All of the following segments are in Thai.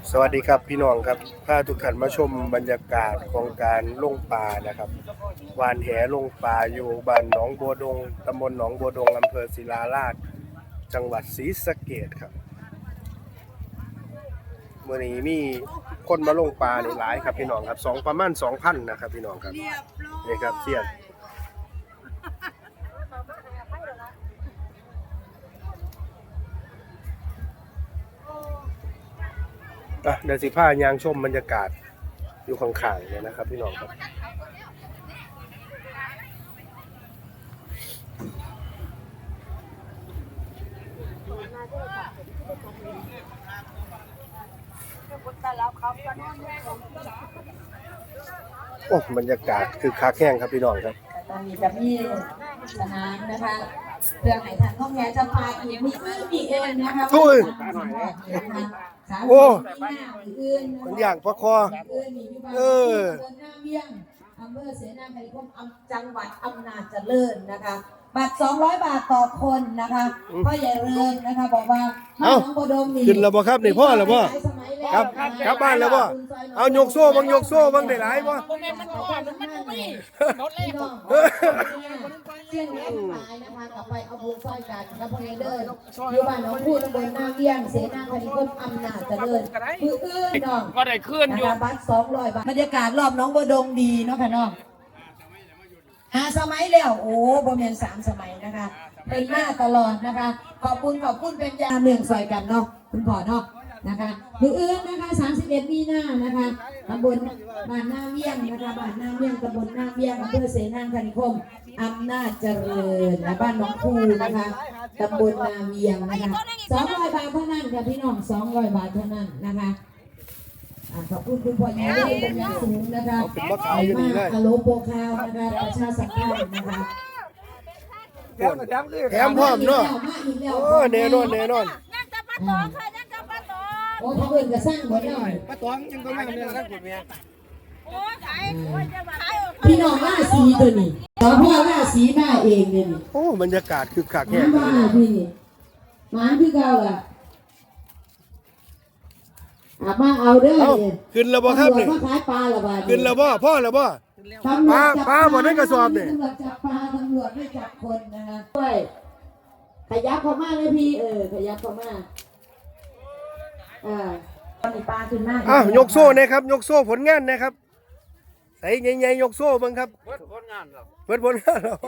สวัสดีครับพี่น้องครับพาทุกท่านมาชมบรรยากาศของการลงปลานะครับวานแหลงปลาอยู่บ้านหนองบัวดงตำบลหนองบัวดงอำเภอศิลาราชจังหวัดศรีสะเกษครับเมื่อนี้มีคนมาลงปลาหลายครับพี่น้องครับประมาณ 2,000 นะครับพี่น้องครับนี่ครับเสียนเดี๋ยวสิพายางชมบรรยากาศอยู่ข้างๆเนี่ยนะครับพี่น้องครับโอ้บรรยากาศคือคักแห้งครับพี่น้องครับตอนนี้จะมีสนามนะคะเพื่อให้ทางห้องแม่จะพาอีกมีเองนะคะโอ้ยโอ้มันอย่างพระคออำเภอเสนาไทยคมจังหวัดอำนาจเจริญนะคะบัตร200 บาทต่อคนนะคะพ่อใหญ่เริงนะคะบอกว่าน้องโบดมนี่ขึ้นแล้วบ่ครับนี่พ่อแล้วบ่ครับกลับบ้านแล้วบ่เอายกโซ่บังยกโซ่บังได้หลายบ่เชี่ยงนี้ตายนะคะกลับไปเอาบุญซอยกันแล้วพอเดินอยู่บ้านน้องพูดตำบลนาเวียงเสนาไทยคมอำนาจเจริญคือน้องก็ได้ขึ้นอยู่บัตร200 บาทบรรยากาศรอบน้องโบดงดีเนาะค่ะน้อง5 สมัยแล้วโอ้บ่แม่น3 สมัยนะคะเป็นหน้าตลอดนะคะขอบคุณเป็นยาเมืองซอยกันเนาะคุณพ่อเนาะนะคะมืออื่นนะคะ31 มีนานะคะตำบลบ้านนาเวียงนะคะบ้านนาเวียงตำบลนาเวียงอำเภอเสนาคนิคมอำนาจเจริญและบ้านหนองคูนะคะตำบลนาเวียงนะคะ200 บาทเท่านั้นค่ะพี่น้อง200 บาทเท่านั้นนะคะขอบคุณคุณพ่อใหญ่ได้เป็นอย่างสูงนะคะอโลโปคาวนะคะประชาสัมพันธ์นะคะแถมพร้อมเนาะโอ้แน่นอนโอ้ถ้าเกินก็สร้างหมดเลยป้าตองยังก็ไม่เรื่องกันผมเนี่ยพี่น้องว่าสีตัวนี้ต่อพ่อว่าสีมาเองเลยนี่โอ้บรรยากาศคือคักแห้งมาพี่หมาพี่เก่าอ่ะมาเอาเด้อขึ้นแล้วบ่ครับนี่ขายปลาละบาทขึ้นแล้วบ่พ่อแล้วบ่ปลาบ่ได้กระสอบนี่ตำรวจจับปลาตำรวจไม่จับคนนะคะด้วยขยับเข้ามาเลยพี่ขยับเข้ามาตอนนี้ปลาขึ้นมากยกโซ่นะครับยกโซ่ผลงานนะครับใส่ใหญ่ๆยกโซ่บ้างครับผลงานเราผลงานเรา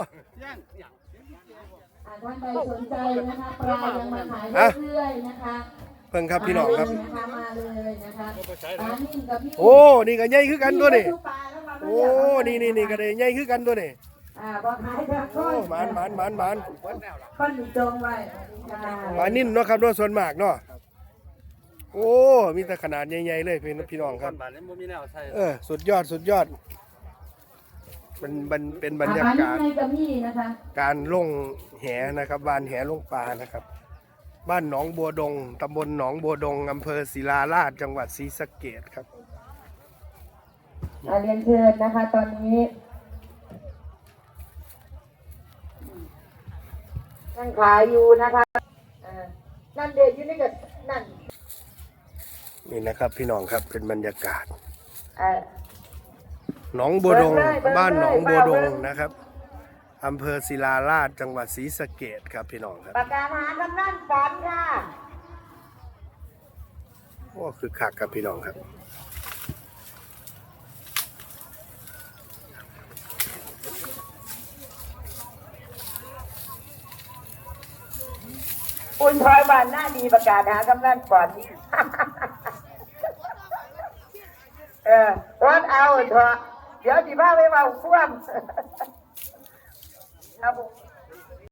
ท่านใดสนใจนะคะปลายังมาขายเรื่อยๆนะคะเพิ่งครับพี่น้องครับมาเลยนะคะปลานิ่มกับพี่โอ้นี่ก็ใหญ่คือกันตัวนี่โอ้นี่ก็ได้ใหญ่คือกันตัวนี่บอกขายแบบก้อนหมานก้อนจงไว้ปลานิ่มเนาะครับเนาะส่วนมากเนาะโอ้มีแต่ขนาดใหญ่ๆเลยพี่น้องครับสุดยอดมันเป็นบรรยากาศการลงแหนะครับบ้านแหลงปลานะครับบ้านหนองบัวดงตำบลหนองบัวดงอำเภอศิลาราชจังหวัดศรีสะเกษครับเรียนเชิญนะคะตอนนี้นั่งขายอยู่นะคะนั่นเด็กอยู่นี่กับนั่นนี่นะครับพี่น้องครับเป็นบรรยากาศหนองบัวดงบ้านหนองบัวดงนะครับอำเภอศิลาราชจังหวัดศรีสะเกษครับพี่น้องครับประกาศหากำนันฝันค่ะโอ้คือคักครับพี่น้องครับคุณทอยบ้านหน้าดีประกาศหากำนันฝันวัดเอาเถอะเดี๋ยวที่บ้านไม่มาคว่ำครับผม